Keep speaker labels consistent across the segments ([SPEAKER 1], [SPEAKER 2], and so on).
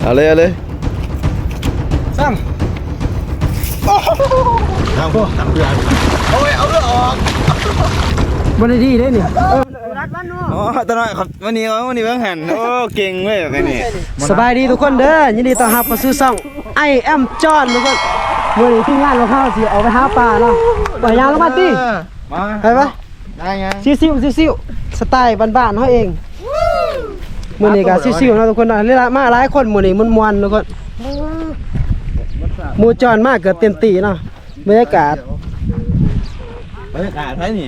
[SPEAKER 1] เอาเลย
[SPEAKER 2] ซ้ำ
[SPEAKER 1] ทำเพื่อนโอ้ยเอาเรื่องออก
[SPEAKER 2] บนที่ได้นี่
[SPEAKER 1] อ๋อตอนนั้นครับวันนี้เพิ่งหันโอ้เก่งเว้ยแบบนี้
[SPEAKER 2] สบายดีทุกคนเด้อยินดีต้อนรับเข้าสู่ช่อง I am John ทุกคนวันนี้ทีมงานเราเข้าสิเอาไปหาปลาเนาะปล่อยยางลงมาติ
[SPEAKER 1] มา
[SPEAKER 2] ไปปะ
[SPEAKER 1] ได้ไง
[SPEAKER 2] ซิวสไตล์บ้านๆเขาเองมื้อนี้ก็ซิวๆเนาะทุกคนเนาะมาหลายคนมื้อนี้ม่วนๆทุกคนหมู่จอนมากเกือบเต็มตีเนาะบรรยากาศ
[SPEAKER 1] ใช่นี่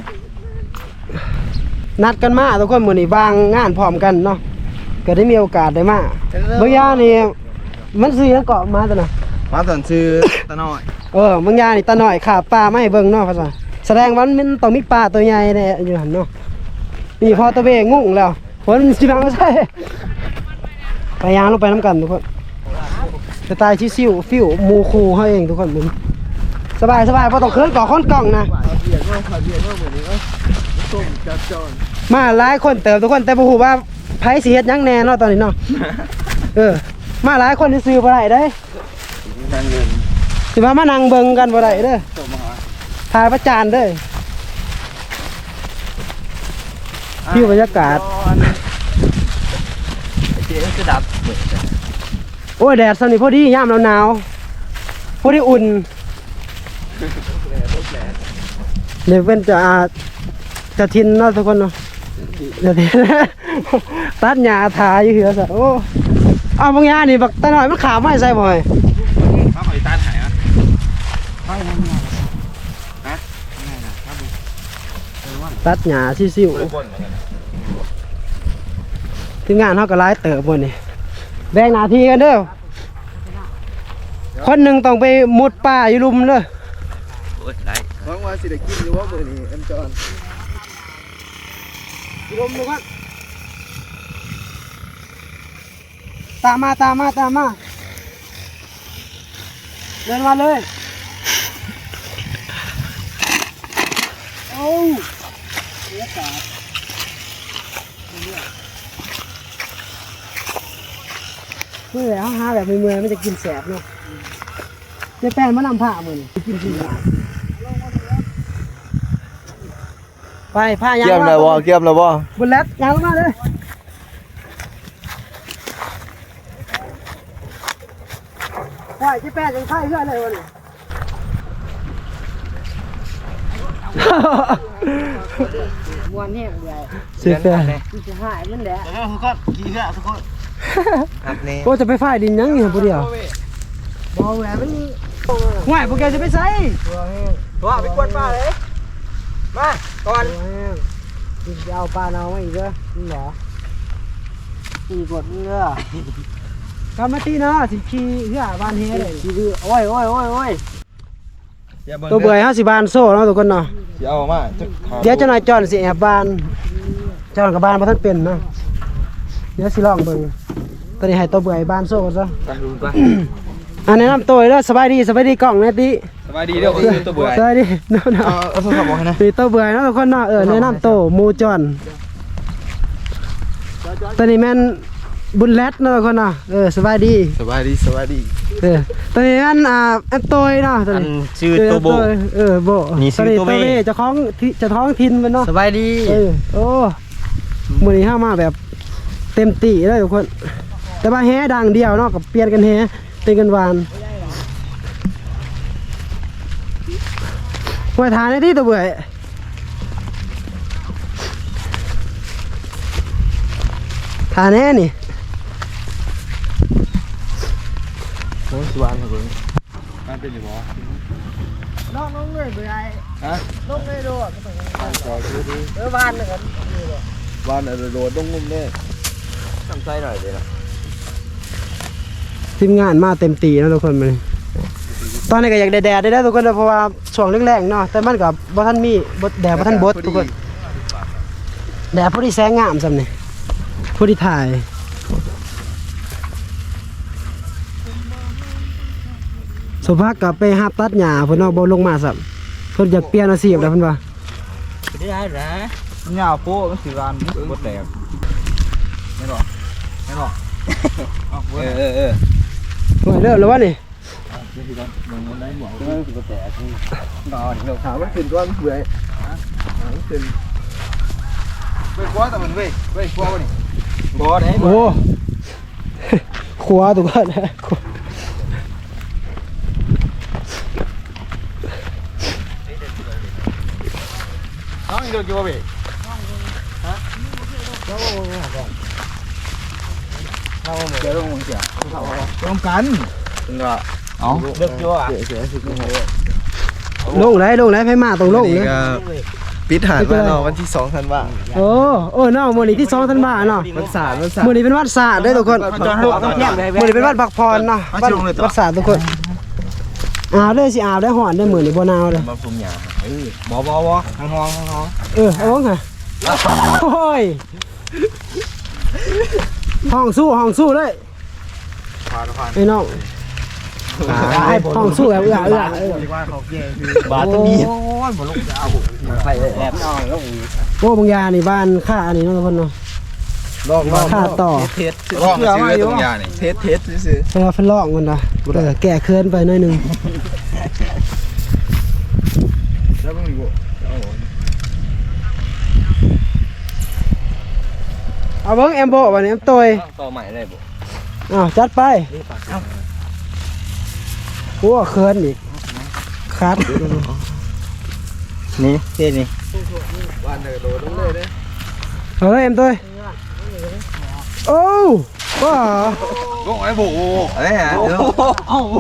[SPEAKER 2] นัดกันมาทุกคนมื้อนี้วางงานพร้อมกันเนาะก็ได้มีโอกาสได้มาบางอย่างนี่มันซื้อแล้วเกาะมาตัวน่ะ
[SPEAKER 1] มาตอนซื้อตะน้อย
[SPEAKER 2] บางอย่างนี่ตาหน่อยขาปลาไม่เบิ่งเนาะภาษาแสดงว่ามันต้องมีปลาตัวใหญ่แน่อยู่หั่นเนาะนี่พอตะเวงงแล้วฝนสิบังใส่ไปยางลงไปน้ำกันทุกคนสไตล์ชิวๆฟิวมูคูเฮาเองทุกคนมึงสบายบ่ต้องเคินก่อค้นกล่องนะมาหลายคนเติมทุกคนแต่บ่ฮู้ว่าไผสิเฮ็ดหยังแน่เนาะตอนนี้เนาะมาหลายคนซื้อบ่ได้เด้สิว่ามานั่งเบิ่งกันบ่ได้เด้อถ่ายประจานเด้อวิวบรรยากาศโอ้ยแดดสนิทพอดียามหนาวพอดีอุ่นเดี๋ยวเป็นจะทินเนาะทุกคนเนาะจะทินตัดหญ้าทาอยู่เหือซะโอ้เอาบางอย่างนี่บักตาหน่อยมันขาไม่ใส่บ่อย
[SPEAKER 1] มาขอตัดหายนะ
[SPEAKER 2] ตัดหญ้าซิวๆทีมงานเขาก็ไล่เติบบนนี่แบ่งหน้าที่กันเด้อคนหนึ่งต้องไปมุดป่าอยู่ลุมเด้อ
[SPEAKER 1] หวังว่าสิได้กินอยู่ว่ามื้อนี้อันจอน
[SPEAKER 2] ลุมดูก่อนตามมาเดินมาเลยโอ้บรรยากาศเมื่อแล้วหาแบบเมื่อยๆมันจะกินแสบเนาะจะแป้นมะนำผ้ามือกินกินไปผ้ายาง
[SPEAKER 1] เกี่ยมแล้วบ่
[SPEAKER 2] บนแรดยางลงมาเลยไปจะแป้นยังไข่เพื่อนเลยวันนี้มวนแห้งใหญ่เสียแต่จะหายมันแดด
[SPEAKER 1] ทุกคนกี่เด้อทุกคน
[SPEAKER 2] โอ้จะไปฝ่ายดินยังนี่ผู้เดียวบอแหวนมันห่วยพวกแกจะไปใส่
[SPEAKER 1] ว่าไปกวนป้าเลยมาก่อน
[SPEAKER 2] จะเอาปลาเอาไว้อีกเหรอนี่เหรอตีกดเงือกำมาตีเนาะสิขี้เหือบ้านเฮเลยขี้โอ้ยตัวเบื่อ50 บาทโซ่เนาะทุกคนเนาะ
[SPEAKER 1] เอามา
[SPEAKER 2] เดี๋ยวจะนายจอนสิแอบบานจอนกับบ้านมาท่านเป็นเนาะเดี๋ยวสิลองเบิ่งตอนนี้ให้ตัวเบื่อบ้านโซ่ซะแนะนำตัวเลยสบายดีกล่องนะติ
[SPEAKER 1] สบายดีเด้อตัวเบื่อ
[SPEAKER 2] สบายดีเนาะ
[SPEAKER 1] เอาโทรศัพท์บอกให้นะ
[SPEAKER 2] ตีตัวเบื่อเนาะทุกคนเนาะแนะนำตัวมูจอนตอนนี้แม่นบุญแรดเนาะทุกคนเนาะสบายดีตอนนี้แม่นอันโตยเนาะตอนนี้
[SPEAKER 1] ชื่อตัวโบ
[SPEAKER 2] โบนี่ชื่อตัวเวจะท้องทินมันเนาะ
[SPEAKER 1] สบายดี
[SPEAKER 2] โอ้มื้อนี้เฮามาแบบเต็มที่เลยทุกคนแต่ว่าแฮดังเดียวเนาะกับเปลี่ยนกันแฮเป็นกันหวานไว้ทานได้ที่ตัวเบื่อทานแน่นี่
[SPEAKER 1] โอ้สวานครับผมมันเป็นอยู่บ่
[SPEAKER 2] น้องเงยเบื่อ
[SPEAKER 1] ฮะ
[SPEAKER 2] น้องเงยโดดบ้านนะครับ
[SPEAKER 1] บ้านโดดต้องงุ่มเนี่ยทำไส้หน่อยเดี๋ยว
[SPEAKER 2] ทีมงานมาเต็มตีนะทุกคนมันตอนนี้ก็อยากแดดได้ทุกคนเพราะว่าช่วงแรงๆเนาะแต่มันกับบ่ท่านมีแดดบ่ท่านบดทุกคนแดดพอดีแสงงามซ้ำนี่พอดีถ่ายสมภักกับไปหาตัดหญ้าเพิ่นเอาบ่ลงมาซ้ำเพิ่นอยากเปลี่ยนอาชีพแล้วเพิ่นว่า
[SPEAKER 1] ได้หญ้าโป้มันสิวานบดแดดไม่หรอกเออ
[SPEAKER 2] หน่อยเริ่มแล้ววะนี่
[SPEAKER 1] ถามมันขึ้นตัวมันเบื่อมันขึ้นเว้ยคว้าแต่มันเว้ยคว้าวะนี่บ่ได้
[SPEAKER 2] โอ้ขวาตัวก่อนนะ
[SPEAKER 1] น้องอีโดนกี่บ่เว้ยเดี๋ยวลงมึงเสียต้องกันก็เอาเลือกยั่ว
[SPEAKER 2] ลงไหนไผมาต้องลงเลย
[SPEAKER 3] ปิดหานมาเนาะวันที่2ธันวาคม
[SPEAKER 2] โอ้เนาะมื้อนี้ที่2ธันวาเนาะ
[SPEAKER 3] วันศาสตร์
[SPEAKER 2] มื้อนี้เป็นวันศาสตร์เด้อทุกคนมื้อนี้เป็นวันพักผ่อนเนาะวันศาสตร์ทุกคนอาบเด้อสิอาบได้ฮ้อนได้อมื้อนี้บ่หนาวเด้อ
[SPEAKER 3] มาพุ่มหยา
[SPEAKER 1] บ่ทางห้อง
[SPEAKER 2] เอาบ่ค่ะโอ้ยห้องสู้เลยไอ้น้องให้ห้องสู้แบบเอื้อบาดตะมีโอ้ยบ่ลงจะเอาไฟแอบนอนลงโอ้บางยานี่บ้านค่าอันนี้เนาะทุกคนเนาะค่าต่อ
[SPEAKER 3] เทส
[SPEAKER 1] ร้องซื้อตรงยานี่
[SPEAKER 3] เทสซื่อ
[SPEAKER 2] เวลาเป็นลอกมันนะแก่เคินไปหน่อยหนึง
[SPEAKER 1] แล้วมึงบ่
[SPEAKER 2] เอาเบิ่งแอมโบวันนี้แอมตอย
[SPEAKER 3] ต่อใหม่เลยบ่
[SPEAKER 2] อ้าวจัดไปโอ้เคินอีกคัด
[SPEAKER 1] นี่เท่นี่
[SPEAKER 3] วันเดอร์โดดลงเลยเด้
[SPEAKER 2] เอาเลยแอมตอยโอ้ว้า
[SPEAKER 1] ลงไอ้บ่อะไรฮะเอ้า
[SPEAKER 2] เอ้า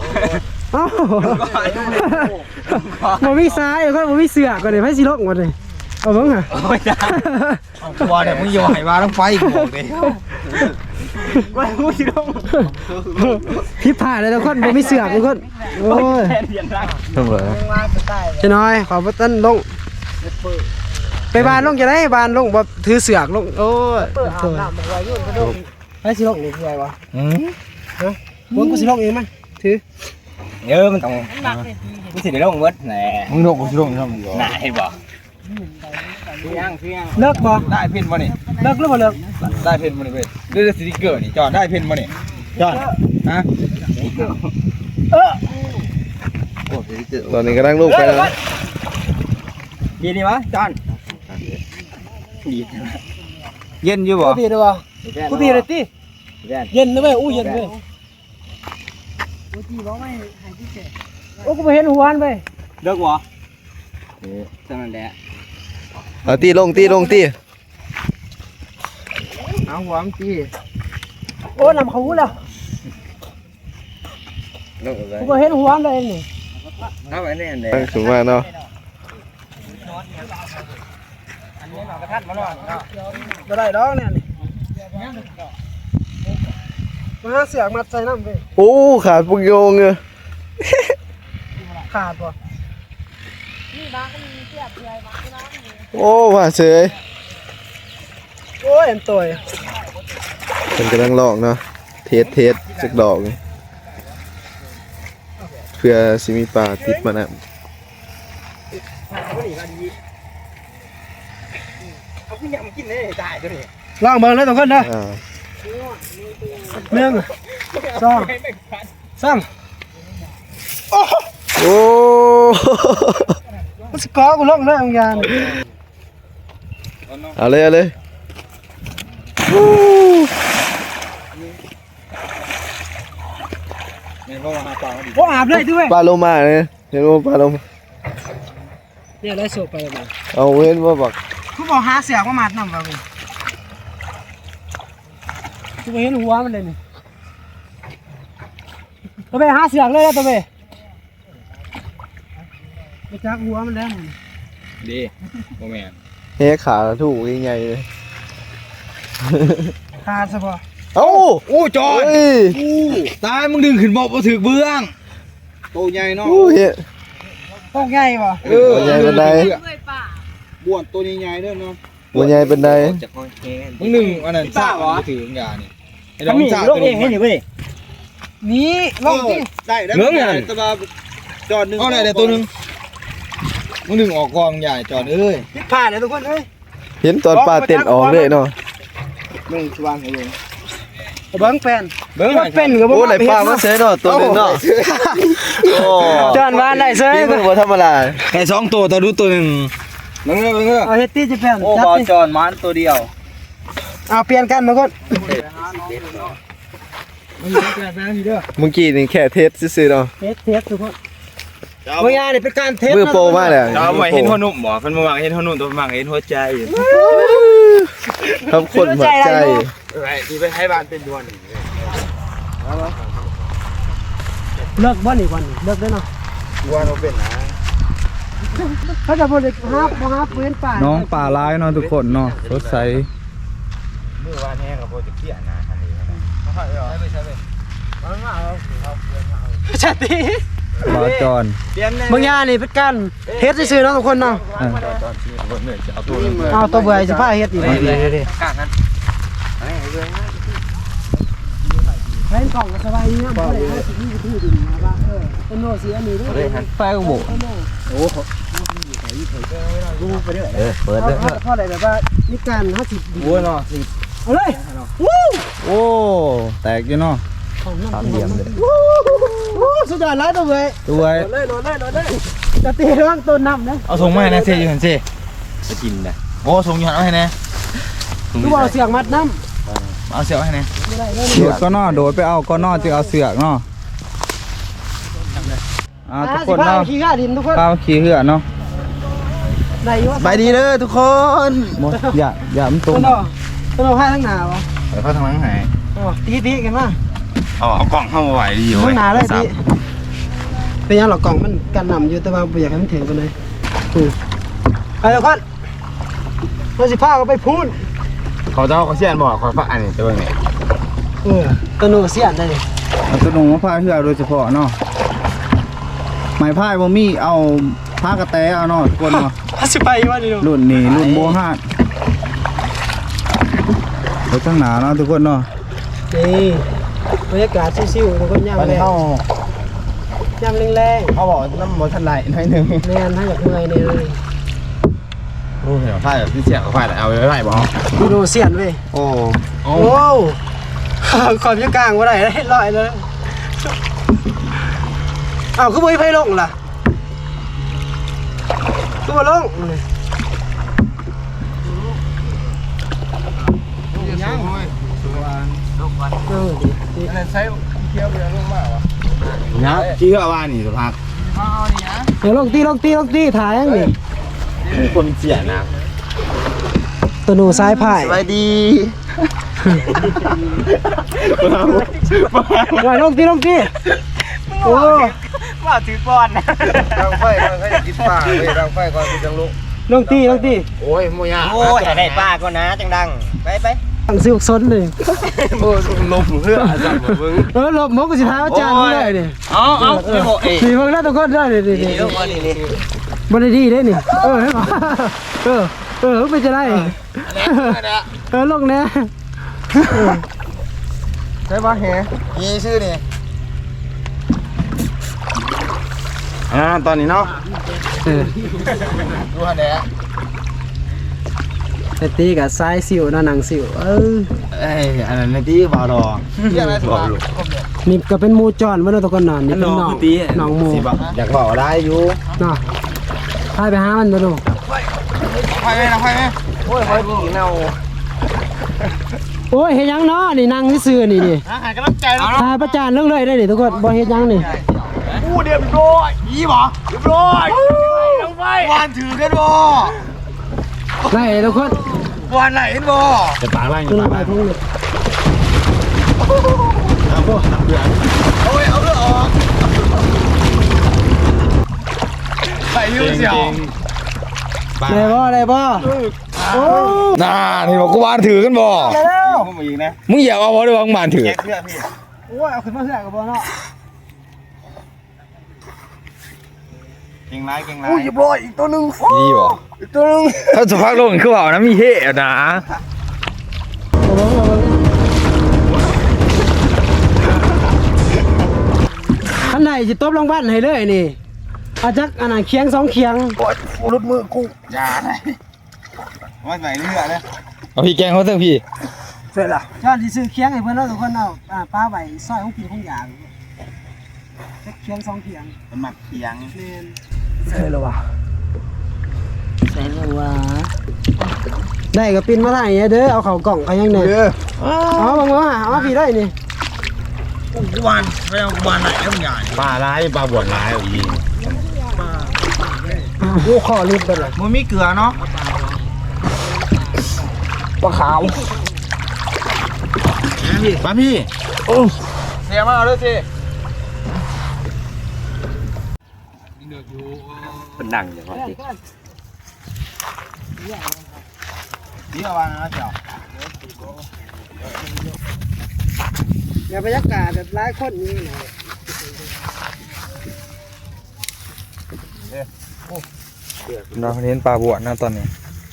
[SPEAKER 2] บ่มีซ้ายก็บ่มีเสือกก่อนนี่ไผสิลกหมดเลยเอาเบิ่งอ่ะ
[SPEAKER 1] ไม่ได้ตัวเนี่ยมึงอย่าให้มาต้องไฟบอกดิว่ามึงสิลง
[SPEAKER 2] ผิดพลาดเลยทุกคนบ่มีเสือกทุกคนโอ้ย
[SPEAKER 3] ๆต้องเลย
[SPEAKER 2] จะน้อยขอบ่ตันลงไปบ้านลงจะได้บ้านลงบ่ถือเสือกลงโอ้ยเปิดอาบน้ำไว้ยุ่นกระโดดให้สิลงนี่คือไงวะมึงกูสิลงเองมั้ยถือ
[SPEAKER 1] มันต้องมึงสิได้ลงเบิดแหน่มึงลงกูสิลงทำมึงน่าเห็นบ่ซื้อย่าง
[SPEAKER 2] เลิกบ่
[SPEAKER 1] ได้เพ่นบ่นี่
[SPEAKER 2] เลิกหรือบ่เลิก
[SPEAKER 1] ได้เพ่นบ่นี่เว้ยด้วยสติ๊กเกอร์นี่จอดได้เพ่นบ่นี่จอดฮะ
[SPEAKER 3] ตอนนี้กำลังลูกไปแล้ว
[SPEAKER 1] ยินดีวะจอนเย็นอยู่บ่
[SPEAKER 2] กูตีได้บ่กูตีได้ติเย็นนะเว้ยอู้เย็นเว้ยโอ้กูบ่เห็นหัวมันเว้ย
[SPEAKER 1] เลิกบ่เท่านั้นแหละ
[SPEAKER 3] เอาตีลง
[SPEAKER 1] เอาหัวมันตี
[SPEAKER 2] โอ้นำเขาหูแล้วกูบ่เห็นหัวมันเลยนี่
[SPEAKER 1] เอาไว้แน่นเลย
[SPEAKER 3] ตั้งสูงมากเนาะ
[SPEAKER 2] บ่ได้ดอกเนี่ยนี่มาหาเสือกมัดใส่น้ำเว้ย
[SPEAKER 3] โอ้ขาดปุกโยงเลย
[SPEAKER 2] ขาดบ่
[SPEAKER 3] โอ้ว่าเฉย
[SPEAKER 2] โอ้ยอันตัว
[SPEAKER 3] มันกำลังลอกเนาะเทสสักดอกนี่เพื่อสิมีปลาติดมานะ
[SPEAKER 1] เอาพี่ยังกินได้ได้ตัวนี้
[SPEAKER 2] ลองเบิ่งเลยทุกคนเด้อ
[SPEAKER 3] อ่า
[SPEAKER 2] 1 2 3
[SPEAKER 3] โอ้
[SPEAKER 2] มันสิกอกูลงเลยบางอย่าง
[SPEAKER 3] เอาเลยวู้
[SPEAKER 1] แม่นบ่ว่าหาปลาดิ
[SPEAKER 2] บ่อาบเลยด้วย
[SPEAKER 3] ปลาโลมาเนี่ยเห็นว่าปลาโลมา
[SPEAKER 2] เนี่ยได้สูบไปแล้วบ่
[SPEAKER 3] เอาเห็นว่าบัก
[SPEAKER 2] กูบอกหาเสือกมามัดนำว่ากูกูบ่เห็นหัวมันเลยนี่ตัวไปหาเสือกเลยตัวไปไปจักหัวมันแล้วนี่
[SPEAKER 1] ดีบ่แม่น
[SPEAKER 3] เฮ้ขาถูกยังไงเลย
[SPEAKER 2] ขาดซะบ่
[SPEAKER 3] เอ้า
[SPEAKER 1] โอ้จอด
[SPEAKER 3] เฮ้ย
[SPEAKER 1] ตายมึงดึงขึ้นบ่ถึกเบื้องโตใหญ่เนาะ
[SPEAKER 3] โอ้เฮ้ย
[SPEAKER 2] ต้องใหญ่บ่
[SPEAKER 3] ตัวใหญ่เป็นได
[SPEAKER 1] บ้วนตัวใหญ่ๆเด้อเนาะ
[SPEAKER 3] ตัวใหญ่เป็นได
[SPEAKER 1] มึงดึงอันนั้นซ่าบ่ถืออย่างนี้ไอ้ดอกซ่าตัวนี้
[SPEAKER 2] นี่ลงที่
[SPEAKER 1] ได้เหลืองอย่างตะบาจอดนึงเอาได้ตัวนึงมึงดึงออกกองใหญ่จอดเอ้ย
[SPEAKER 2] ผิดพลาดเลยทุกคนเอ้ย
[SPEAKER 3] เห็นตอนปลาเต้นออกเลยเนาะ
[SPEAKER 1] มึงสว่างให้ลง
[SPEAKER 2] เบิ้งเป็น
[SPEAKER 1] เบิ่ง
[SPEAKER 2] ว่าเป็นกับ
[SPEAKER 3] โอ้ไหลปลามาเสยเนาะตัวหนึงเนาะโอ้
[SPEAKER 2] จานวานได้เสย
[SPEAKER 3] นี่มันบ่ธรรมดา
[SPEAKER 1] ไอ้2ตัวตัวดูตัวนึงเบิ่งเด้อ
[SPEAKER 2] เอาเฮ็ดตี้จะเป็น
[SPEAKER 1] โอ้
[SPEAKER 2] จัด
[SPEAKER 1] บ่
[SPEAKER 2] ดิ
[SPEAKER 1] จอนมันตัวเดียว
[SPEAKER 2] เอาเปลี่ยนกันมาก่อน
[SPEAKER 3] เมื่อกี้นี่แค่เทสซื่อๆเนาะ
[SPEAKER 2] เทสทุกคนเมื่อยานี่เป็นการเทส
[SPEAKER 3] มือโปรมากเลย
[SPEAKER 1] จะเอาไว้เห็นหัวนุ่มบ่เพิ่นบ่มักเห็นหัวนุ่มตัวมักเห็นหัวใจ
[SPEAKER 3] ทำคนหัวใจ
[SPEAKER 1] ไอ้ที่ไปให้บ้านเป็นดวน
[SPEAKER 2] เลิกบ่นี่วันนี้เลิกได้เนาะ
[SPEAKER 1] ดวนเอาเป็นนะ
[SPEAKER 2] เขาจะบ่ได้หาปืนป่า
[SPEAKER 4] น้องป่าร้ายเนาะทุกคนเนาะสดใส
[SPEAKER 1] มื้อวานแห้งก็บ่จะเครียดนะอันนี้นะค่อยๆเอาใช่ไปมันมาเอาเอาเปลี่ยนเอา
[SPEAKER 2] จัดดิ
[SPEAKER 4] บาจร
[SPEAKER 1] เปลี่ยนแน่
[SPEAKER 2] เมื่อยานี่เป็นการเทสซื่อๆเนาะทุกคนเนาะ
[SPEAKER 4] อ่ะ
[SPEAKER 1] เอาตัวนึง
[SPEAKER 2] เอาตัวเบื่อสิพาเฮ็ดอีก
[SPEAKER 1] กางนั้น
[SPEAKER 2] เล่นกล่องก็สบายดีนะบ่ได้เอาสิมีที่ดินมาว่าต้นโนสิอันนี้เด้อ
[SPEAKER 4] ไฟก็โบ
[SPEAKER 3] เปิดเลย
[SPEAKER 2] เพราะอะไรแบบว่านี่การ50
[SPEAKER 1] วัวเนาะสิ
[SPEAKER 2] เอาเลยวู้
[SPEAKER 4] โอ้แตกอยู่เนาะ
[SPEAKER 3] สามเหลี่ยมเลย
[SPEAKER 2] วู้สุดยอดหลายตัวเว้ย
[SPEAKER 4] ตัวไว้
[SPEAKER 2] โดนเลยจะตีเรื่องต้นน้ำนะ
[SPEAKER 1] เอาส่งมาให้นะเซ่อยู่หั่นเซ่จะกินได้โอ้ส่งอยู่หั่นเอาให้แน่
[SPEAKER 2] คือว่าเอาเสียงมัดน้
[SPEAKER 1] เอาเสียให้แน่
[SPEAKER 2] ำไม่ได้เลย
[SPEAKER 4] โดดก็นอโดดไปเอาก็นอจึงเอาเสือกเนาะทุกคน
[SPEAKER 2] สิพา
[SPEAKER 4] เนาะ
[SPEAKER 2] ไปขี่ข้าดินทุกคน
[SPEAKER 4] ข้าวขี้เหือเนาะ
[SPEAKER 2] ได้อยู่
[SPEAKER 3] ไปดีเด้อทุกคน
[SPEAKER 4] หมดอย่ามันตร
[SPEAKER 2] ต้
[SPEAKER 4] ง
[SPEAKER 2] นเอาให้ทั้งหนาวะ
[SPEAKER 1] เดี๋ยวเขาทางหลังให้
[SPEAKER 2] ตีกันมา
[SPEAKER 1] เอากล่องเข้ามาไว้ดีอยู่
[SPEAKER 2] ทั้งหนาเลยตีเป็นยังหรอกกล่องมันกันนำอยู่แต่ว่าอยากให้มันถึงกันเลยไปทุกคนเราสิพาเขาไปพูน
[SPEAKER 1] เขาเจ้าเขาเสียนบอกเขาฝากอันนี้ตัวนี้
[SPEAKER 2] ต้นโนเสียนได้เลย
[SPEAKER 4] เอาตัวหนูมาพายเหือโดยเฉพาะเนาะไม้พายบ่มีเอาผ้ากระแตเอาเนาะทุกคนเนาะ
[SPEAKER 2] สิไปว่าดิ
[SPEAKER 4] รุ่นนี้รุ่นโบฮาดไปข้างหน้าเนาะทุกคนเนาะ
[SPEAKER 2] นี่บรรยากาศชิวๆทุกคนย่างแรงย่างแรง
[SPEAKER 1] เขาบอกน้ำมันทันไรหน่อยนึง
[SPEAKER 2] ๆแม่นถ้าอยากเมื่อยเนี่ยเลย
[SPEAKER 1] โอ้เห็นผ้าแบบที่เสียงเขาผ้าเอาไว้บอก
[SPEAKER 2] ดูโนเสียนเว้ย
[SPEAKER 1] โอ้
[SPEAKER 2] โอ้ขอบจะกลางว่าไรได้ลอยเลยอ้าวคือบ่มีไฟลงล่ะคือบ่ลง
[SPEAKER 1] ใช้เคี้ยวไปลงมากวะนะที่เขาว่านี่สุภาพ
[SPEAKER 2] เดี๋ยวลงตีถ่ายยังนี่
[SPEAKER 1] คนเสียนะ
[SPEAKER 2] ตัวหนูซ้ายพ่าย
[SPEAKER 3] ไปดี
[SPEAKER 2] ลงตีโอ้
[SPEAKER 1] ว่าถือก้อนนะดังไฟก่อนเขาจะกินปลาเว้ยดังไฟก่อนกินจังลุก
[SPEAKER 2] ลงตี
[SPEAKER 1] โอ้ยโมยาโอ้ยได้ปลาก็นะจังดังไป
[SPEAKER 2] ตั้งซิวซนเลย
[SPEAKER 1] โอ้ลมเพื่อจับมึง
[SPEAKER 2] หลบมกสิท้าอาจารย์เลยดิ
[SPEAKER 1] เอาไม่บอกเอ๋
[SPEAKER 2] นี่มึงแล้วทุกคนได้ดิ
[SPEAKER 1] นี่นี่
[SPEAKER 2] บนดีได้นี่เป็นจะได้ลงแน่
[SPEAKER 1] ใช่ป่ะเฮ้ยี่ชื่อนี่ตอนนี้เนาะดูฮะเนี่ย
[SPEAKER 2] แต่ตีกับซ้ายสิวหนังสิว
[SPEAKER 1] เอ้ยอันนั้นที่บาดอเรียกอะไรสิบา
[SPEAKER 2] นี่ก็เป็นมูจอนไม่ต้องตะกอนนอนนี่เป็นน้องมู
[SPEAKER 1] อยากบอกได้อยู่
[SPEAKER 2] เนาะพายไปหามันมาดู
[SPEAKER 1] ไฟไหมนะไฟไหมโอ้ยไฟกี่เน่า
[SPEAKER 2] โอ้ยเฮ็ดยังเนาะนี่นั่งซื่อนี่
[SPEAKER 1] หายกำลังใจแล้ว
[SPEAKER 2] ทายประจานเรื่องเลยได้ดิทุกคนบ่เฮ็ดยังนี่
[SPEAKER 1] อู้เรียบร้อยยี่บ่เรียบร้อยต้องไฟวานถือกันบ่
[SPEAKER 2] ได้ทุกคน
[SPEAKER 1] วานไหนกันบ่จะปากอะไร
[SPEAKER 2] ขึ้นมาทุ่งนี่
[SPEAKER 1] โอ้ยเอาเรื่องออกใส่ยืดเสียว
[SPEAKER 2] ได้บ่โอ้
[SPEAKER 4] น่าที่บอกกูบ้านถือกันบ่
[SPEAKER 2] ได้แล้ว
[SPEAKER 1] มึงอีกนะ
[SPEAKER 4] มึงอย่าเอาบ่ได้ว่ามึงบ้านถือ
[SPEAKER 1] แยกเพื่อนพี่
[SPEAKER 2] โอ้ยเอาขึ้นมาเสือกับบ่เนาะ
[SPEAKER 1] เก่งไรเก่งไร
[SPEAKER 3] อู้ยบร้อยอีกตัวนึง
[SPEAKER 4] ดีบ่
[SPEAKER 3] อีกตัวนึง
[SPEAKER 4] ถ้าสภาพโลกคือว่านะมีเฮ่นะ
[SPEAKER 2] ข้างในสิตบลงบ้านให้เลยนี่เอาจักอันนั้นเคียง2เคียง
[SPEAKER 3] รถมือกู
[SPEAKER 1] อย่าไหนว่าใส่เรือเลย
[SPEAKER 4] เอาพี่แกงเขาเถอะพี่
[SPEAKER 2] เ
[SPEAKER 1] สร็จแล้ว
[SPEAKER 2] จอนสิซื้อเคียงให้เพิ่นเนาะทุกคนเนาะปลาไว้ซอยของกินของอย่างเคียง2เคียง
[SPEAKER 4] มันหมักเคียง
[SPEAKER 2] แม่น
[SPEAKER 1] เสร็จแล้วว่ะ
[SPEAKER 2] ใส่แล้วว่าได้ก็ปินมาได้เด้อเอาเข้ากล่องก็ยังได้เอาบังว่าเอาพี่ได้นี่
[SPEAKER 4] กุบานไม่เอากุบานไหนแล้วมันใหญ่ปลาร้ายปลาบวชร้ายอีก
[SPEAKER 2] โอ้ขอรีบไปเลย
[SPEAKER 4] มันมีเกลือเนาะ
[SPEAKER 1] ปลาขาว
[SPEAKER 4] ปลาพี่
[SPEAKER 1] เสียมาเอาด้วยสิ
[SPEAKER 5] เป็นดังอย่างว่าสิ
[SPEAKER 4] นี่เอาวางนะเจ้า
[SPEAKER 2] อย่าบรรยากาศแบบหลายคนนี่นะ
[SPEAKER 3] เราเน้นปลาบวชนะตอนนี้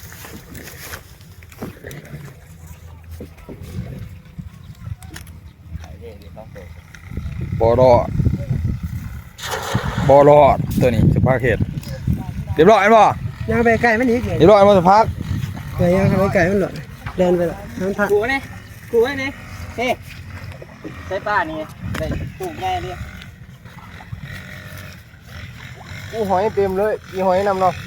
[SPEAKER 3] บ่รอดตัวนี้สภาพเขตเรียบร้อยมั้ยบ่
[SPEAKER 2] ยังไปไกลมันอีกเลย
[SPEAKER 3] เรียบร้อยมั้ยสภาพ
[SPEAKER 2] เดี๋ยวยังไปไกลมันหลดเดินไปละน้ำผัก
[SPEAKER 5] กูนี่กูไว้นี่เฮ้ใส่ป้านี่ได้ตู้แง่ดิ
[SPEAKER 1] กูหอยเต็มเลยมีหอยนำเนาะ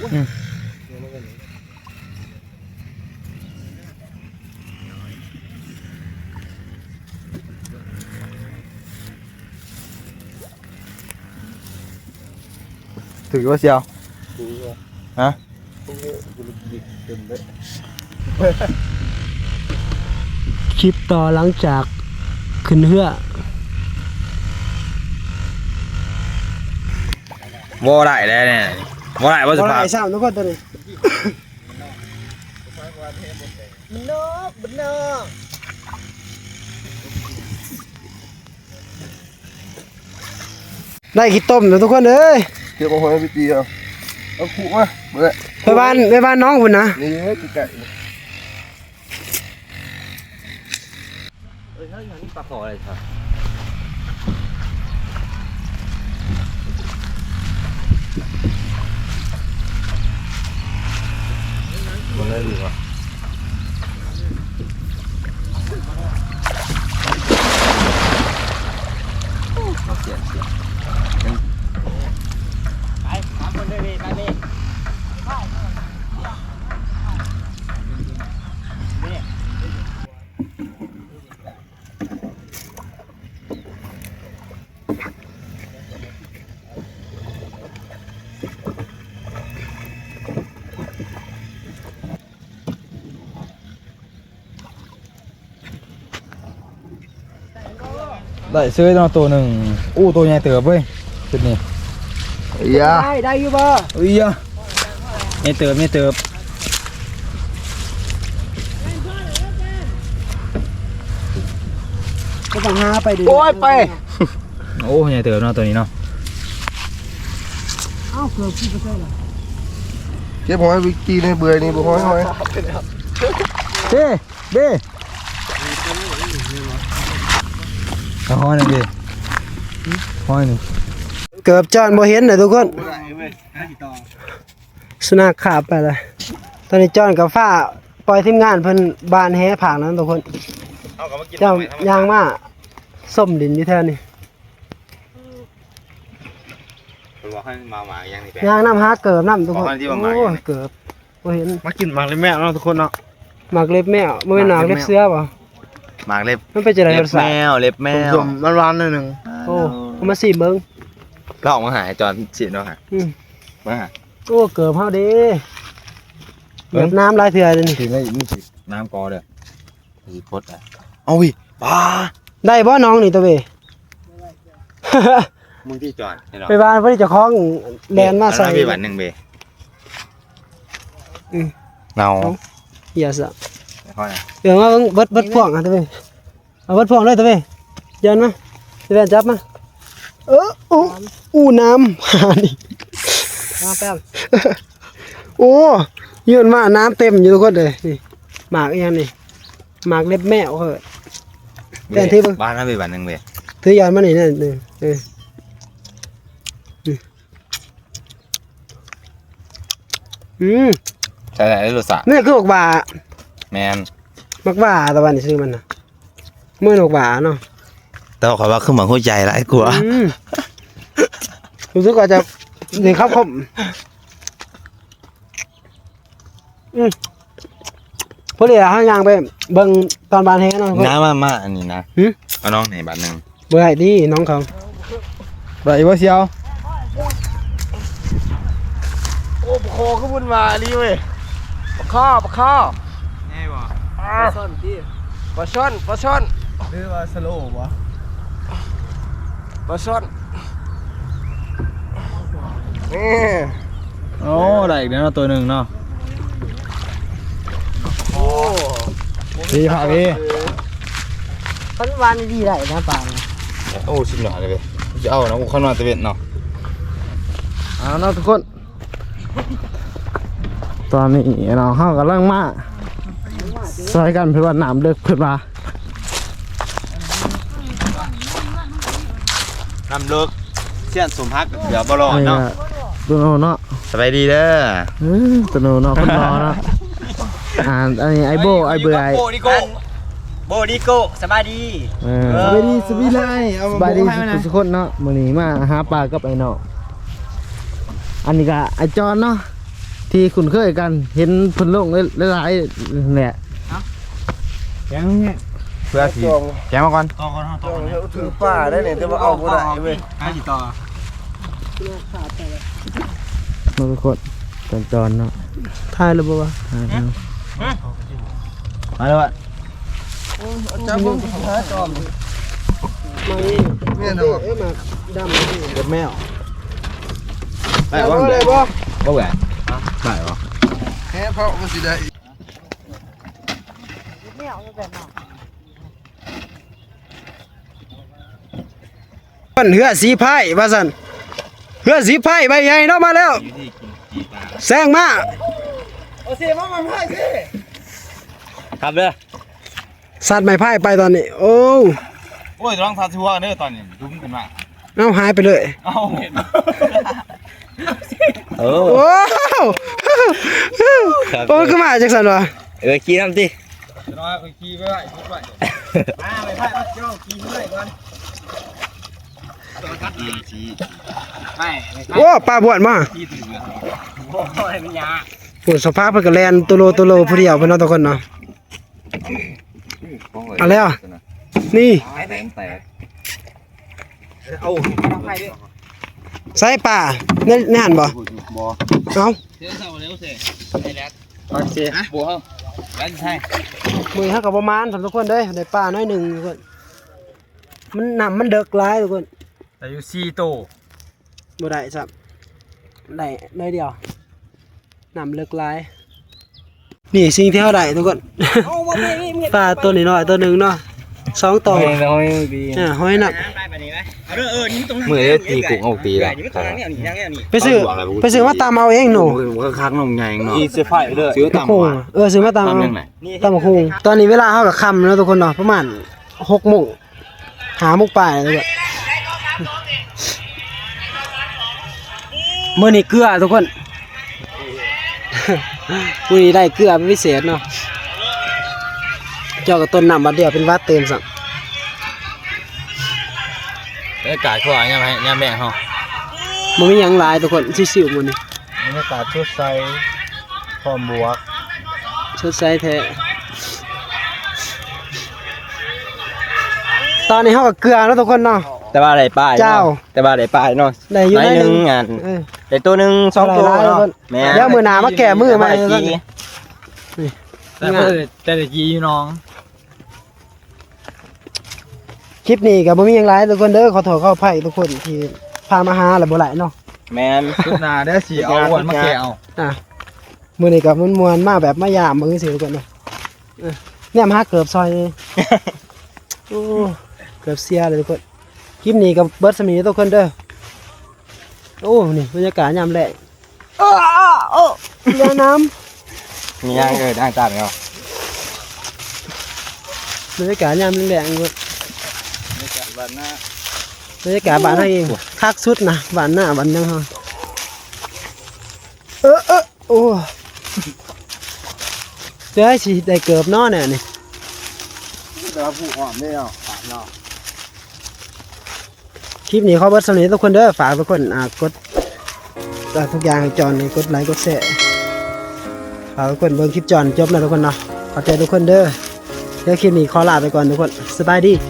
[SPEAKER 3] ถือว่าเชียวฮะ
[SPEAKER 2] คลิปต่อหลังจากขึ้นเรือ
[SPEAKER 3] บ่ได้แล้วเนี่ยบ่ได้บ่ส
[SPEAKER 2] บ่
[SPEAKER 3] ภาพ
[SPEAKER 2] ได้ซ้ำทุกคนตัวนี้ได้ขี้ต้มนะทุกคนเอ้ย
[SPEAKER 1] เก็บเอาหอยไปตีเอาขู่มาเบื่อ
[SPEAKER 2] ไปบ้านน้องคุณนะ
[SPEAKER 1] นี่ไก่
[SPEAKER 5] เฮ้ยอย่างนี้ปลาขออะไรครับ
[SPEAKER 3] มันได้ดีว่ะ
[SPEAKER 5] ไปถามคนด้วยดิไปดิ
[SPEAKER 3] ได้ซื้อตัวหนึ่งตัวใหญ่เติบเว้ยจุดนี้
[SPEAKER 1] ยา
[SPEAKER 2] ได้อยู่บ่
[SPEAKER 3] อุ้ยอ่ะไม่เติบ
[SPEAKER 2] ก็ต้องหาไปดิ
[SPEAKER 1] โอ้ยไป
[SPEAKER 3] โอ้ใหญ่เติบเนาะตัวนี้เนาะ
[SPEAKER 2] เอ้าเกือบกี่เปอร์เซ็นต์ละ
[SPEAKER 1] เก็บหอยไปตีในเบื่อนี่บ่หอย
[SPEAKER 3] เด้เอาห้อยหนึ่งดิห้อยหนึ่ง
[SPEAKER 2] เกือบจอนบ่เห็นเลยทุกคนสุนัขขาบไปเลยตอนนี้จอนกับฟ้าปล่อยทีมงานเพิ่นบานแฮผางนั้นทุกคนเจ้ายางมาส้มดินอยู่แถวนี้
[SPEAKER 5] ผมบอกให้มาหมาอย่างนี้แก
[SPEAKER 2] ยางน้ำหาเกิบน้ำทุกคน
[SPEAKER 5] อ๋อที่ว่าหมา
[SPEAKER 2] โอ้ยเกิบบ่เห็น
[SPEAKER 4] มากินหมักเลยแม่เนาะทุกคนเนาะ
[SPEAKER 2] หมากเล็บแมวบ่แม่นหมากเล็บเสือบ่
[SPEAKER 5] หมากเล็บ
[SPEAKER 2] มันเป็นจังได๋รสชาติ
[SPEAKER 5] เล็บแมว
[SPEAKER 4] สมๆมันหวานหน่อยหนึง
[SPEAKER 2] โอ้เอามาสิเบิ่ง
[SPEAKER 5] ก็ออกมาหาจอนฉีดเนาะฮะ
[SPEAKER 2] อืม
[SPEAKER 5] มาหา
[SPEAKER 2] โอ้เกิบเฮาเด้เหยียบน้ำหลายเทื่อเลยนี่
[SPEAKER 3] ถึงได้นี่สิน้ำกอเด้อ
[SPEAKER 5] ฉีดพดอ่ะ
[SPEAKER 3] เอาวิปลา
[SPEAKER 2] ได้บ่น้องนี่ตัวเว้ย
[SPEAKER 5] มึงที่จอนให้เรา
[SPEAKER 2] ไปบ้านเพิ่นเจ้าของแลนมาใส่
[SPEAKER 5] เอไปวันหนึ่งเบ
[SPEAKER 3] เนา
[SPEAKER 2] เหี้ยซะ
[SPEAKER 5] ข้อไหน
[SPEAKER 2] เดี๋ยวมาเบิ่งเบิดพ่วงอ่ะตัวเว้ยเอาเบิดพ่วงเลยตัวเว้ยยันมาสิแว่นจับมาอู้น้ำหานี่มาแป๊บ โอ้ยืนมาน้ำเต็มอยู่ทุกคนเลยนี่หมากอีหยังนี่หมากเล็บแมวเหอะแต่ที่เบิ่ง
[SPEAKER 5] บ้านนั้นไปวันหนึ่งเบ
[SPEAKER 2] ถือยานมานี่เนี่ยอืม
[SPEAKER 5] ใช่ไหมรถสระ
[SPEAKER 2] นี่คือบอกว่า
[SPEAKER 5] แมน
[SPEAKER 2] มักหว่าตะวันนี่ชื่อมันน่ะมื้อมักหว่าเนาะ
[SPEAKER 3] แต่ว่าข่อยว่าคือหมังหัวใจหลายกว่า
[SPEAKER 2] รู้สึกว่าจะนี่ครับผมพอดีเฮาย่างไปเบิ่งตอนบานแฮเนาะ
[SPEAKER 3] น้ามาอันนี้นะเอาน้องไหนบาทนึง
[SPEAKER 2] เบื่อให้ดีน้องเขา
[SPEAKER 4] ไรวะเชียว
[SPEAKER 1] โอ้ปะคอขึ้นบนมาลีเว้ยปะข้อปะข้อ
[SPEAKER 5] แน่บ่
[SPEAKER 1] ปลาช่อนปลาช่อน
[SPEAKER 4] หรือว่าสโลว์วะ
[SPEAKER 1] ปลาช่อนนี่
[SPEAKER 4] โอ้ได้อีกแล้วตัวหนึ่งเนาะ
[SPEAKER 1] โอ้
[SPEAKER 4] ดีค่ะพี่
[SPEAKER 2] ปัจจุบันดีได้นะปลา
[SPEAKER 3] โอ้ชิมหน่อยเลยจะเอานะกูข้างนอกตะเวนเนาะ
[SPEAKER 4] เอาเนาะทุกคนตอนนี้เราเข้ากำลังมาซอยกันเพื่อว่าน้ำเลิกเพื่อนมา
[SPEAKER 3] ทำเลิกเสี้ยนสมพักเดี๋ยวบอลเนาะ
[SPEAKER 4] ตัวโนเนาะ
[SPEAKER 3] สบายดีเด้อ
[SPEAKER 4] ตัวโนเนาะคนรอเนาะอันนี้ไอโบไอเบื่อไอ
[SPEAKER 5] โบดิโกสบายดี
[SPEAKER 4] สบายดีสบายดีทุกคนเนาะมื้อนี้มาหาปลากับไอ้เนาะอันนี้ก็ไอจอนเนาะที่คุ้นเคยกันเห็นเพิ่นลงหลายๆแหละยังเนี่ย
[SPEAKER 3] เพื่อสีแกมาก่อน
[SPEAKER 5] ต่อก่อนต่อ
[SPEAKER 1] ถือป่าได้เนี่ยแต่ว่าเอาบ่ได้เว้ย
[SPEAKER 5] ให้สิต่อ
[SPEAKER 4] มาทุกคนจอนเนาะ
[SPEAKER 2] ทายแล้วบ่วะ
[SPEAKER 4] มาแล้วอะ
[SPEAKER 1] จับมึงหาจอม
[SPEAKER 2] มานี่
[SPEAKER 1] แม่นบ่
[SPEAKER 2] เอ้ยมาดำนี่
[SPEAKER 3] เด็ดแมว
[SPEAKER 2] ได้บ่ได้บ่
[SPEAKER 3] บ่แหวนได้ปะ
[SPEAKER 1] แฮ่เพราะมันสิได้
[SPEAKER 2] มันเหือสีไผ่ว่าซั่นเหือสีไผ่ใบใหญ่เนาะมาแล้วแซงมา
[SPEAKER 1] เอาสิมามันให้สิ
[SPEAKER 3] ครับเด้อ
[SPEAKER 2] สัตว์ไม้ไผ่ไปตอนนี้ โอ้
[SPEAKER 3] โอ้ยต้องทาทัวร์เด้อตอนนี้ดุ้มขึ้นมา
[SPEAKER 2] เอาหายไปเลย
[SPEAKER 3] เอ้าเอ
[SPEAKER 2] โอ้
[SPEAKER 3] อ
[SPEAKER 2] โอ้ขึ้นมาจังซั่นวะ
[SPEAKER 3] ขี้ทำดิ
[SPEAKER 5] น้อยขี่ไปไว้ขี่ไปมาไปไผเจ้าขี่ไปก่อนไม่
[SPEAKER 2] โอ้ปลาบวชมา
[SPEAKER 5] ขี่ถึงโอ้ยมันยา
[SPEAKER 2] โอ้สภาพเพิ่นก็แล่นตัวโลผู้เดียวเพิ่นเนาะทุกคนเนาะเอาแล้วนี่
[SPEAKER 3] แตกแตก
[SPEAKER 5] เอาไปดิ
[SPEAKER 2] ใส่ป่าในหันบ่
[SPEAKER 3] บ่
[SPEAKER 2] เอา
[SPEAKER 5] เดี๋ยวเศร้าเร็วสิไอ้แรดโอเคบัวเฮาแล้วใช่
[SPEAKER 2] มือเฮาก็ประมาณสำทุกคนเด้ได้ป่าน้อยหนึงทุกคนมันน้ำมันเดึกหลายทุกคน
[SPEAKER 5] แต่อยู่4โต
[SPEAKER 2] บ่ได้ซับได้น้อยเดียวน้ำเลิกหลายนี่สิ่งที่เฮาได้ทุกคน ปลาตัวน้อยๆตัวหนึงเนาะ2ตัว
[SPEAKER 4] น้อยดี
[SPEAKER 2] หอยหนัก
[SPEAKER 5] ไปแบบนี้ไหมนี่ตรงนั้น
[SPEAKER 3] มือเด้ตีกุ้งเอาตีละ
[SPEAKER 5] นี่ตรงนั้นเนี่ยนี่ยังเนี่ยนี่
[SPEAKER 2] ไปซื้อมาตามเอาเองหนู
[SPEAKER 3] มันก็คักนมใหญ่เนาะ
[SPEAKER 4] อีเสื้อผ้าเด้อ
[SPEAKER 3] ซื้อตาม
[SPEAKER 2] โค้ง
[SPEAKER 3] ว่า
[SPEAKER 2] ซื้อมาตามเอา
[SPEAKER 3] ทำยังไง
[SPEAKER 2] ตามโค้งตอนนี้เวลาเฮาก็ค่ำแล้วทุกคนเนาะประมาณ6:00 นหาโมงปลายแล้วก็มื้อนี้เกลือทุกคน มื้อนี้ได้เกลือเป็นพิเศษเนาะเจ้าก็ต้นน้ำบัดเดียวเป็นวัดเต็มซั
[SPEAKER 3] บรรยากาศเขาว่ายังไงยังแบ่งเฮา
[SPEAKER 2] บ่มีหยังหลายทุกคนชิวๆมื้อนี้
[SPEAKER 4] บรรยากาศสดใสพร้อมบวก
[SPEAKER 2] สดใสแท้ตอนนี้เฮาก็เกลือแล้วทุกคนเนาะ
[SPEAKER 5] แต่ว่าได้ป้าย
[SPEAKER 2] เจ้า
[SPEAKER 5] แต่ว่าได้ป้ายเนาะ
[SPEAKER 2] ได้อยู่
[SPEAKER 5] ได้
[SPEAKER 2] ได้
[SPEAKER 5] หนึ่งงาน
[SPEAKER 2] เออ
[SPEAKER 5] ได้ตัวหนึ่ง2ตัว
[SPEAKER 2] หลายๆ
[SPEAKER 5] เนาะ
[SPEAKER 2] คน
[SPEAKER 5] แม่
[SPEAKER 2] เดี๋ยวมื้อหน้ามาแก้มือใหม่
[SPEAKER 5] แต่ได้กี่น้อง
[SPEAKER 2] คลิปนี้ก็บ่มีหยังหลายทุกคนเด้อขอโทษขออภัยทุกคนที่พามาหาแล้วบ่หลายเนาะ
[SPEAKER 5] แม่น
[SPEAKER 4] ชุดหนาได้สีเอาอ้วนมาแกเอา
[SPEAKER 2] มื้อนี้ก็ม่วนๆมาแบบมายามเบิ่งซื่อๆทุกคนเนาะเนี่ยมาหาเกือบซอยเลย โอ้เกือบเสียเลยทุกคนคลิปนี้ก็เบิดสมีทุกคนเด้อโอ้นี่บรรยากาศยามแลงเรือน้ำ
[SPEAKER 3] มีย่างได้ตามเนาะ
[SPEAKER 2] บรรยากาศยามแลงๆทุกคนบรรยากาศบ้านเฮาเองคักสุดนะบ้านหน้าบ้านยังเฮาโอ้เดี๋ยวให้สิได้เกือบเนาะเนี่ยนี่
[SPEAKER 1] แต่ว่าผู้อ่อนได้เนาะปากเนาะ
[SPEAKER 2] คลิปนี้ขอเบิดสำเร็จทุกคนเด้อฝากทุกคนกดทุกอย่างให้จอนกดไลค์กดแชร์ฝากทุกคนเบิ่งคลิปจอนจบแล้วทุกคนเนาะขอบใจทุกคนเด้อเดี๋ยวคลิปนี้ขอลาไปก่อนทุกคนสบายดี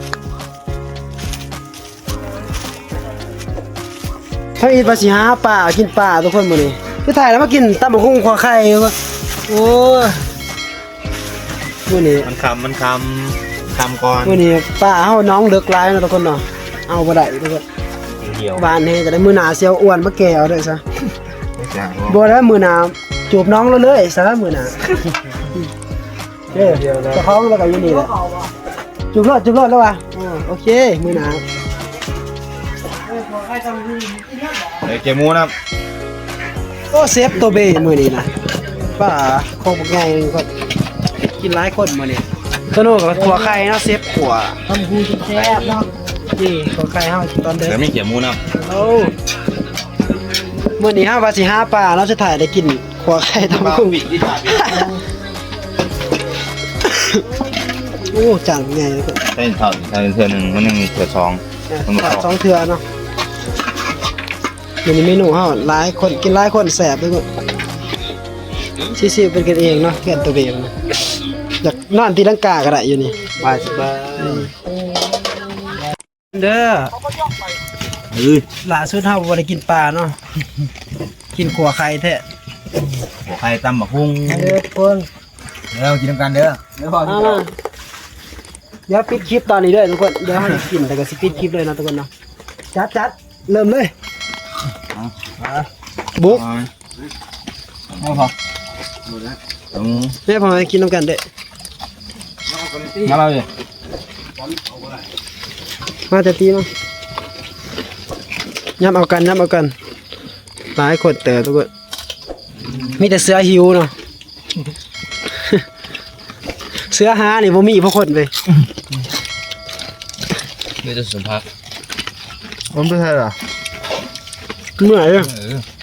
[SPEAKER 2] ถ้าอีทภาษีหาป่ากินป่าทุกคนมื้อนี้คือถ่ายแล้วมากินตำบักหุ่งขวไข่โอ้ยมื้อนี้
[SPEAKER 3] มันคำก่อน
[SPEAKER 2] มื้อนี้ป่าเฮาน้องเลิกหลายเนาะทุกคนเนาะเอาบ่ได้ทุกคน
[SPEAKER 3] เดียว
[SPEAKER 2] บ้านนี้จะได้มื้อหน้าเสียวอ้วนมาแก่เอาเด้อซะ
[SPEAKER 3] จ้า
[SPEAKER 2] บ่ได้มื้อหน้าจูบน้องเราเลยซะมื้อหน้าเด้อเจ้าของแล้วก็อยู่นี่แหละจูบรอดแล้วว่ะโอเคมื้อหน้า
[SPEAKER 3] เกมูนะครับ
[SPEAKER 2] โอ้เซฟตัวเบมื้อนี้นะป้าคงบ่ใหญ่ก็กินหลายคนมื้อนี้ตัวโน้กับขัวไข่เนาะเซฟขัวทำฮูแซ่บเนาะนี่ขัวไข่เฮาตอนเด้อ
[SPEAKER 3] เดี๋ยวไม่เขียมูนะครับ
[SPEAKER 2] โอ้มื้อนี้เฮาว่าสิหาปลาเราจะถ่ายได้กินขัวไข่ตำกุ้ง
[SPEAKER 3] ที่ถ่าย
[SPEAKER 2] โอ้จังใหญ่เลยก็
[SPEAKER 3] ใช่เทื่อหนึ่งมันยังมีเทื่อสอง
[SPEAKER 2] สองเทื่อเนาะมื้อนี้เมนูเฮาหลายคนกินหลายคนแซ่บเลยก็ซิๆเป็นกันเองเนาะเพื่อนตัวเองนะอยากนอนตีลังกาก็ได้อยู่นี่
[SPEAKER 3] บายสบาย
[SPEAKER 2] เด้อล่าสุดเฮาบ่ได้กินปลาเนาะกินขัวไข่แท้
[SPEAKER 3] หัวไข่ตำบักหุ่ง
[SPEAKER 2] เด้อทุกคน
[SPEAKER 3] เดี๋ยวกินน้ำกันเด้อ
[SPEAKER 1] เดี๋ยวพอ
[SPEAKER 2] เอามาเดี๋ยวปิดคลิปตอนนี้เลยทุกคนเดี๋ยวให้กินแต่ก็สิปิดคลิปเลยนะทุกคนเนาะจัดเริ่มเลยบุ๊ก
[SPEAKER 3] ไม่พอ
[SPEAKER 2] แม่พอกินน้ำกันเด้อ
[SPEAKER 3] มาเราเลย
[SPEAKER 2] มาจะตีมั้งย้ำเอากันหลายคนเต๋อทุกคนมีแต่เสือหิวเนาะ เสือหานี่บ่มีเพราะคนไป
[SPEAKER 3] นี่จะสุภาพ
[SPEAKER 4] ผมเป็นไงล่ะ
[SPEAKER 2] เมื่อยเลย
[SPEAKER 3] เออ